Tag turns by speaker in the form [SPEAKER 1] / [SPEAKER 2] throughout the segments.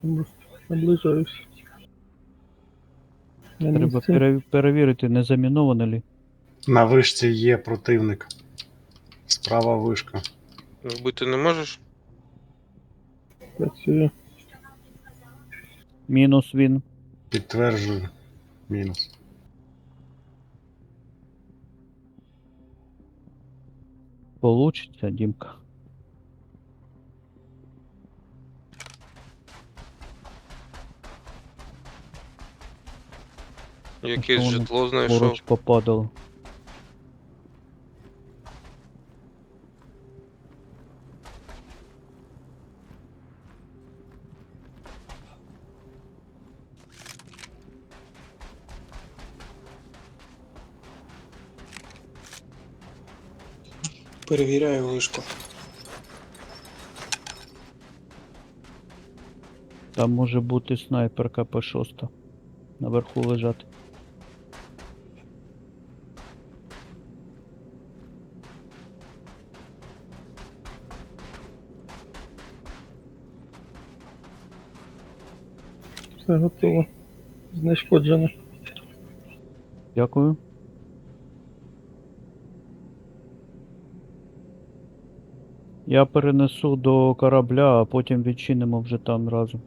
[SPEAKER 1] Наближаюсь. На
[SPEAKER 2] Треба
[SPEAKER 1] місці.
[SPEAKER 2] перевірити, не заміновано ли.
[SPEAKER 3] На вишці є противник. Справа вишка.
[SPEAKER 4] Вбити не можеш?
[SPEAKER 1] Працюю.
[SPEAKER 2] Мінус він.
[SPEAKER 3] Підтверджую. Мінус.
[SPEAKER 2] Получиться, Дімка.
[SPEAKER 4] Якесь
[SPEAKER 2] Воно
[SPEAKER 4] житло знайшов.
[SPEAKER 2] поруч попадало.
[SPEAKER 5] Перевіряю вишку.
[SPEAKER 2] Там може бути снайперка П6. Наверху лежати.
[SPEAKER 1] Все готово. Знешкоджено.
[SPEAKER 2] Дякую. Я перенесу до корабля, а потім відчинимо вже там разом.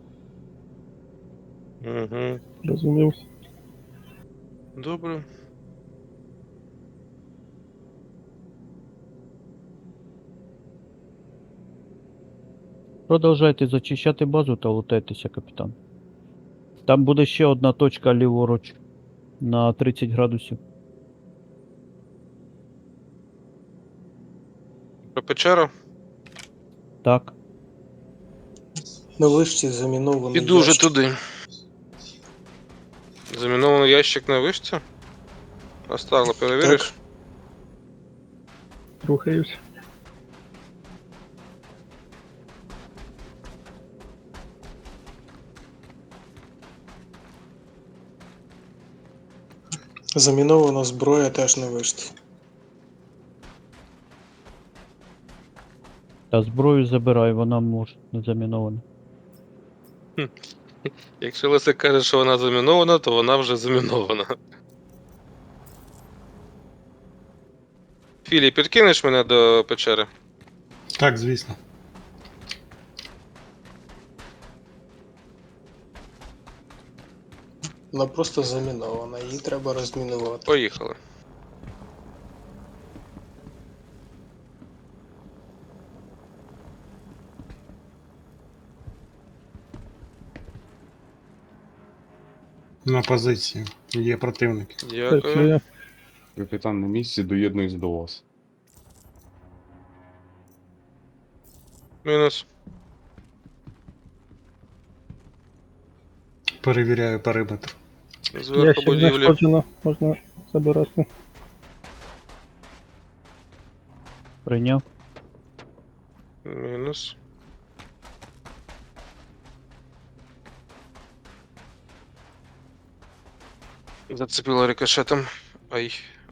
[SPEAKER 4] Угу.
[SPEAKER 1] Розумів.
[SPEAKER 4] Добре.
[SPEAKER 2] Продовжайте зачищати базу та лутайтеся, капітан. Там буде ще одна точка ліворуч на 30 градусів.
[SPEAKER 4] Про печеру?
[SPEAKER 2] Так.
[SPEAKER 5] На вишці замінований
[SPEAKER 4] Піду вже
[SPEAKER 5] ящик.
[SPEAKER 4] туди. Замінований ящик на вишці? Остало, перевіриш?
[SPEAKER 5] Так.
[SPEAKER 1] Рухаюсь.
[SPEAKER 5] Замінована зброя теж на вишці.
[SPEAKER 2] Та зброю забирай, вона може не замінована.
[SPEAKER 4] Якщо Лесик каже, що вона замінована, то вона вже замінована. Філі, підкинеш мене до печери?
[SPEAKER 3] Так, звісно.
[SPEAKER 5] Вона просто замінована, її треба розмінувати.
[SPEAKER 4] Поїхали.
[SPEAKER 3] На позиції. Є противники.
[SPEAKER 4] Дякую.
[SPEAKER 1] Працюю.
[SPEAKER 6] Капітан на місці, доєднуюсь до вас.
[SPEAKER 4] Мінус.
[SPEAKER 3] Перевіряю периметр.
[SPEAKER 4] Зверху
[SPEAKER 1] Ящик
[SPEAKER 4] будівлі.
[SPEAKER 1] знешкоджено. Можна забирати.
[SPEAKER 2] Прийняв.
[SPEAKER 4] Мінус. Зацепило рикошетом. Ай.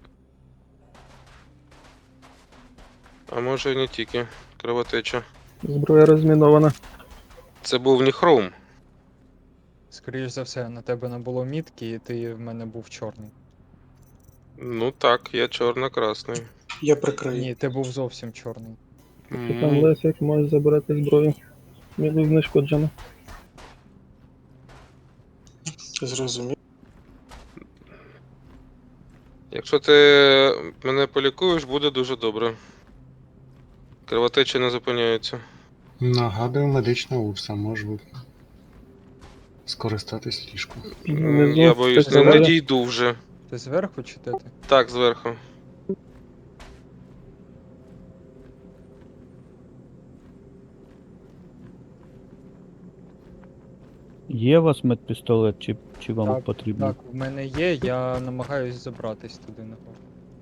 [SPEAKER 4] А може і не тільки. Кровотеча.
[SPEAKER 1] Зброя розмінована.
[SPEAKER 4] Це був не хром.
[SPEAKER 7] Скоріш за все, на тебе не було мітки, і ти в мене був чорний.
[SPEAKER 4] Ну так, я чорно-красний.
[SPEAKER 5] Я прикрию.
[SPEAKER 7] Ні, ти був зовсім чорний.
[SPEAKER 1] Капітан Лесик може забирати зброю. Мінус знешкоджено.
[SPEAKER 5] Зрозумів.
[SPEAKER 4] Якщо ти мене полікуєш, буде дуже добре. Кровотеча не зупиняється.
[SPEAKER 3] Нагадую, медична урса, може скористатись ліжком.
[SPEAKER 1] Внизу
[SPEAKER 4] Я боюсь,
[SPEAKER 1] хтось
[SPEAKER 4] не
[SPEAKER 1] забирає.
[SPEAKER 4] дійду вже.
[SPEAKER 7] Ти зверху чи де ти?
[SPEAKER 4] Так, зверху.
[SPEAKER 2] Є у вас медпістолет, чи вам
[SPEAKER 7] Так,
[SPEAKER 2] потрібно?
[SPEAKER 7] Так, в мене є, я намагаюсь забратись туди нагору.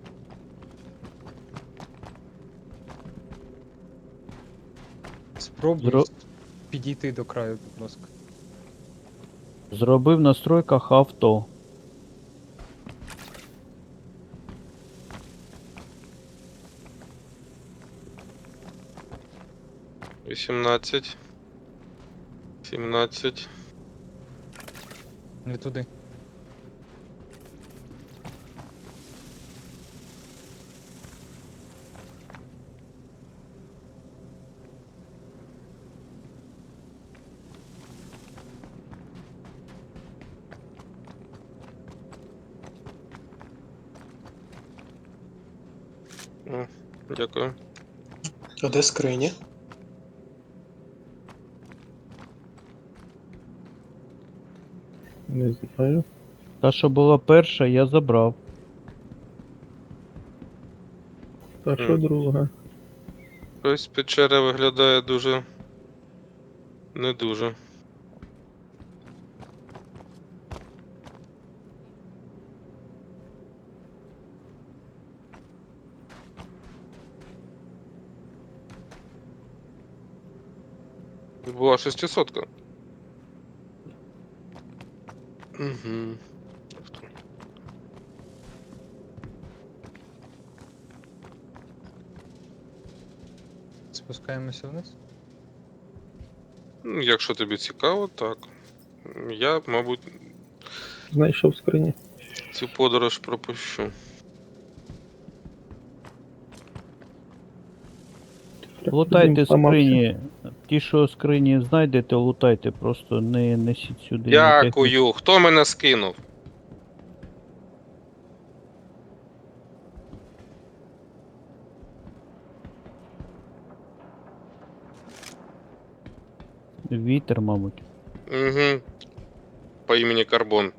[SPEAKER 7] Спробуй
[SPEAKER 2] Зро-
[SPEAKER 7] підійти до краю, будь ласка.
[SPEAKER 2] Зробив в настройках авто.
[SPEAKER 4] — 18. 17.
[SPEAKER 7] Не туди.
[SPEAKER 4] О, дякую.
[SPEAKER 5] А де скриня?
[SPEAKER 1] Не знаю.
[SPEAKER 2] Та, що була перша, я забрав.
[SPEAKER 1] Та що друга?
[SPEAKER 4] Ось печера виглядає дуже. Не дуже. Була 600-ка. Угу.
[SPEAKER 7] Спускаємося вниз.
[SPEAKER 4] Якщо тобі цікаво, так. Я, мабуть,
[SPEAKER 1] Знайшов скрині.
[SPEAKER 4] цю подорож пропущу.
[SPEAKER 2] Лутайте
[SPEAKER 1] Він зламався.
[SPEAKER 2] скрині. Ті, що скрині знайдете, лутайте, просто не несіть сюди. ні техніки.
[SPEAKER 4] Дякую. Хто мене скинув?
[SPEAKER 2] Вітер, мабуть.
[SPEAKER 4] Угу. По імені Карбон.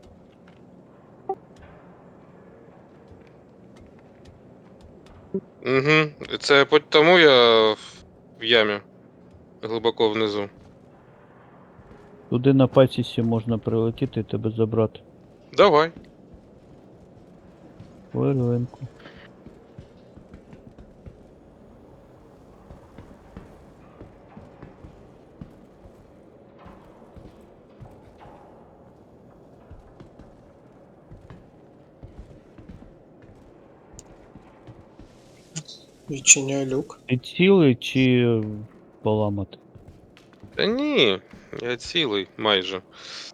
[SPEAKER 4] Угу. Це тому я в ямі. Глибоко внизу.
[SPEAKER 2] Туди на пасісі можна прилетіти і тебе забрати.
[SPEAKER 4] Давай.
[SPEAKER 2] Хвилинку.
[SPEAKER 5] Відчиняю люк.
[SPEAKER 2] Ти цілий чи поламати?
[SPEAKER 4] Та ні, я цілий майже.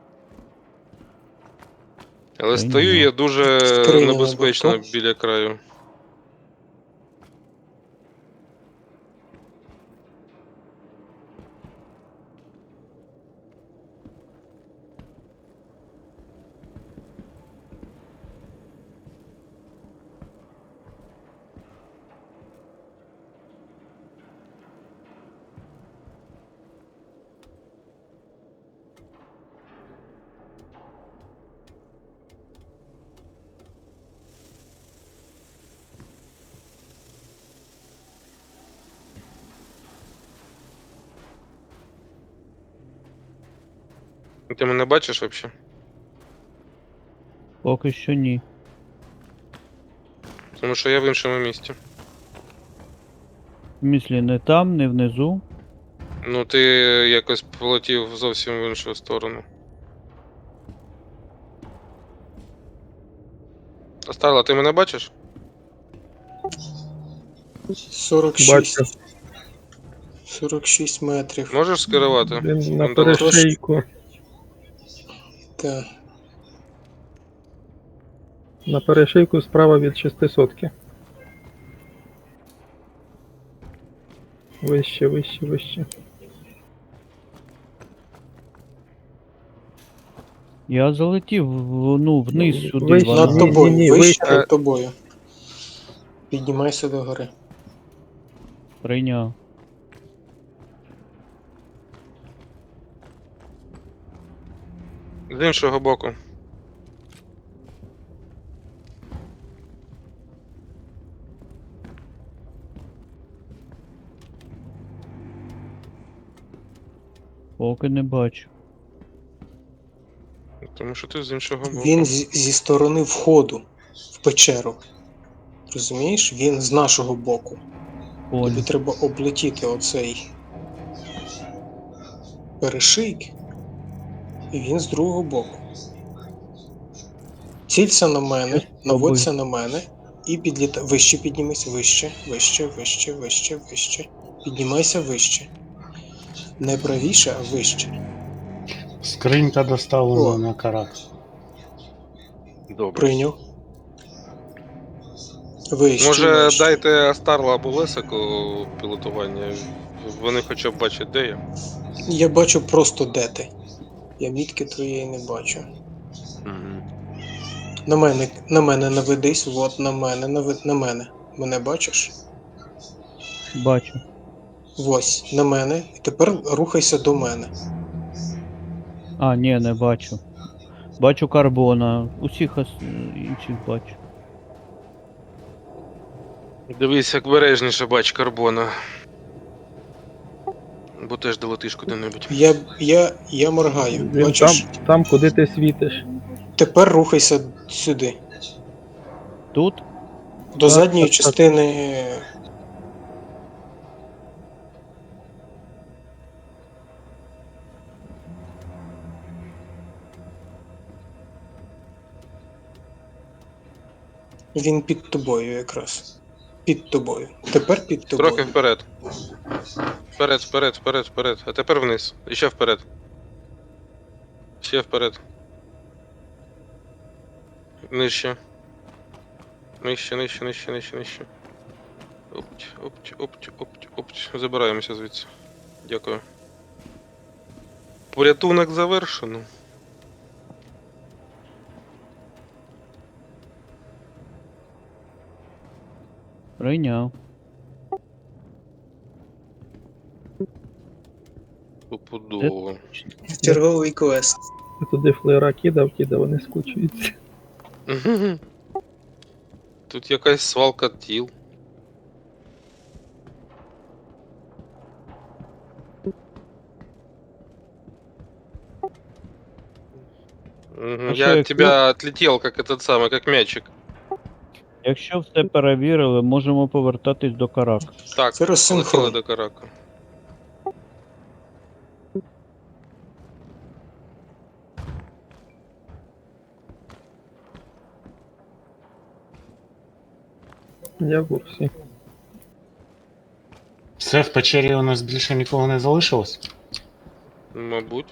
[SPEAKER 4] Але
[SPEAKER 2] Та й
[SPEAKER 4] стою
[SPEAKER 2] нема.
[SPEAKER 4] я дуже
[SPEAKER 5] Скриня на
[SPEAKER 4] небезпечно
[SPEAKER 5] борту.
[SPEAKER 4] біля краю. Ти мене бачиш взагалі?
[SPEAKER 2] Поки що ні.
[SPEAKER 4] Тому що я в іншому місці.
[SPEAKER 2] В смислі, не там, не внизу.
[SPEAKER 4] Ну, ти якось полетів зовсім в іншу сторону. Остала, ти мене бачиш?
[SPEAKER 5] 46.
[SPEAKER 1] Бачу.
[SPEAKER 5] 46 метрів.
[SPEAKER 4] Можеш скерувати?
[SPEAKER 1] Він на
[SPEAKER 4] Секунду.
[SPEAKER 1] перешийку.
[SPEAKER 5] Так.
[SPEAKER 1] На перешийку справа від 600-ки. Вище, вище, вище.
[SPEAKER 2] Я залетів вниз сюди.
[SPEAKER 1] Вище.
[SPEAKER 2] вона-
[SPEAKER 5] Над тобою,
[SPEAKER 1] ні,
[SPEAKER 5] вище
[SPEAKER 1] вище.
[SPEAKER 5] над тобою. Піднімайся до гори.
[SPEAKER 2] Прийняв.
[SPEAKER 4] З іншого боку.
[SPEAKER 2] Поки не бачу.
[SPEAKER 4] Тому що ти з іншого боку.
[SPEAKER 5] Він зі сторони входу в печеру. Розумієш? Він з нашого боку. Тобі
[SPEAKER 2] Понял.
[SPEAKER 5] треба облетіти оцей перешийк, і він з другого боку. Цілься на мене, наводься на мене і підлітай. Вище піднімайся, вище, вище, вище, вище, вище. Піднімайся вище. Не правіше, а вище.
[SPEAKER 3] Скринька доставлена
[SPEAKER 5] О.
[SPEAKER 3] на карак.
[SPEAKER 4] Добре.
[SPEAKER 5] Прийняв. Вище
[SPEAKER 4] Може,
[SPEAKER 5] бачите.
[SPEAKER 4] дайте Астарла або Лесику пілотування. Вони хоча б бачать, де я.
[SPEAKER 5] Я бачу просто де ти. Я мітки твоєї не бачу.
[SPEAKER 4] Угу.
[SPEAKER 5] На мене наведись, от на мене, на мене. Мене бачиш?
[SPEAKER 2] Бачу.
[SPEAKER 5] Ось, на мене. І тепер рухайся до мене.
[SPEAKER 2] А, ні, не бачу. Бачу карбона. Усіх інших бачу.
[SPEAKER 4] Дивись, як бережніше бач карбона. Бо теж долетиш куди-небудь.
[SPEAKER 5] Я моргаю.
[SPEAKER 1] Він
[SPEAKER 5] Бачиш?
[SPEAKER 1] там, куди ти світиш.
[SPEAKER 5] Тепер рухайся сюди.
[SPEAKER 2] Тут?
[SPEAKER 5] До
[SPEAKER 1] Так,
[SPEAKER 5] задньої
[SPEAKER 1] так, так.
[SPEAKER 5] частини. Він під тобою якраз. Під тобою. Тепер під тобою.
[SPEAKER 4] Трохи вперед. Вперед, вперед, вперед, вперед. А тепер вниз. І ще вперед. Ще вперед. Нижче. Нижче, нижче, нижче, нижче, нижче. Опть, опть, опть, опть, опть. Забираємося звідси. Дякую. Порятунок завершено.
[SPEAKER 2] Прийняв.
[SPEAKER 4] Стопудово.
[SPEAKER 5] Черговий квест.
[SPEAKER 1] Я туди флеєра кидав, вони скучуються.
[SPEAKER 4] Тут якась свалка тіл.
[SPEAKER 2] А що,
[SPEAKER 4] Я от
[SPEAKER 2] якщо-
[SPEAKER 4] тебя отлетел, как этот самый, как мячик.
[SPEAKER 2] Якщо все перевірили, можемо повертатись до карак.
[SPEAKER 4] Так,
[SPEAKER 5] Це розсинхрон.
[SPEAKER 4] полетіли до карака.
[SPEAKER 1] Я в курсі.
[SPEAKER 3] Все, в печері у нас більше нікого не залишилось?
[SPEAKER 4] Мабуть.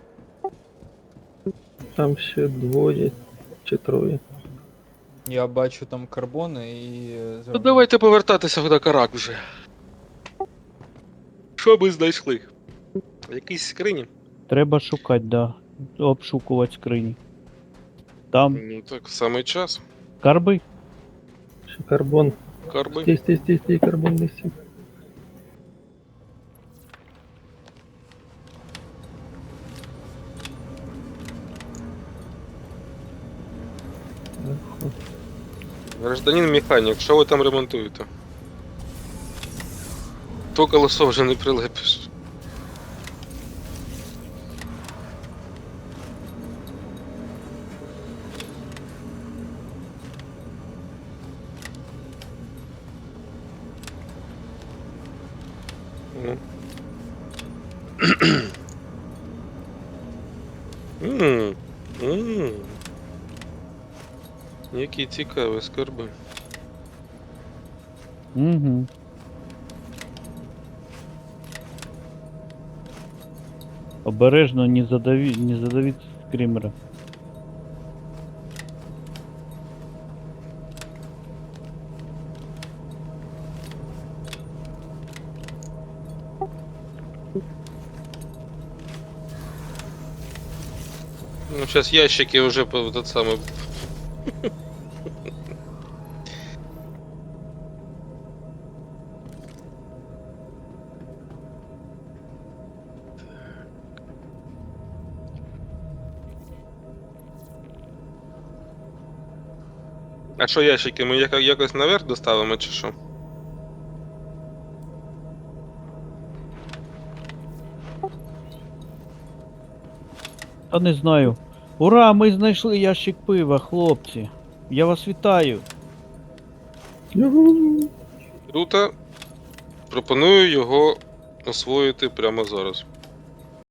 [SPEAKER 1] Там ще двоє чи троє.
[SPEAKER 7] Я бачу там карбони і.
[SPEAKER 4] Ну давайте повертатися до карак вже. Що ми знайшли? Якісь скрині?
[SPEAKER 2] Треба шукати, да. Обшукувати скрині. Там
[SPEAKER 4] Ну так, самий час.
[SPEAKER 2] карби?
[SPEAKER 1] Ще карбон.
[SPEAKER 4] Карби.
[SPEAKER 1] Стій, карбон не сів.
[SPEAKER 4] Гражданин механік, що ви там ремонтуєте? То колесо вже не прилепиш. Ну. Які цікаві скарби.
[SPEAKER 2] Угу. Обережно не задавіть скрімера.
[SPEAKER 4] Ну, сейчас ящики уже по этот самый. А що ящики? Ми якось наверх доставимо чи що?
[SPEAKER 2] Та не знаю. Ура, ми знайшли ящик пива, хлопці. Я вас вітаю.
[SPEAKER 1] Юху.
[SPEAKER 4] Круто. Пропоную його освоїти прямо зараз.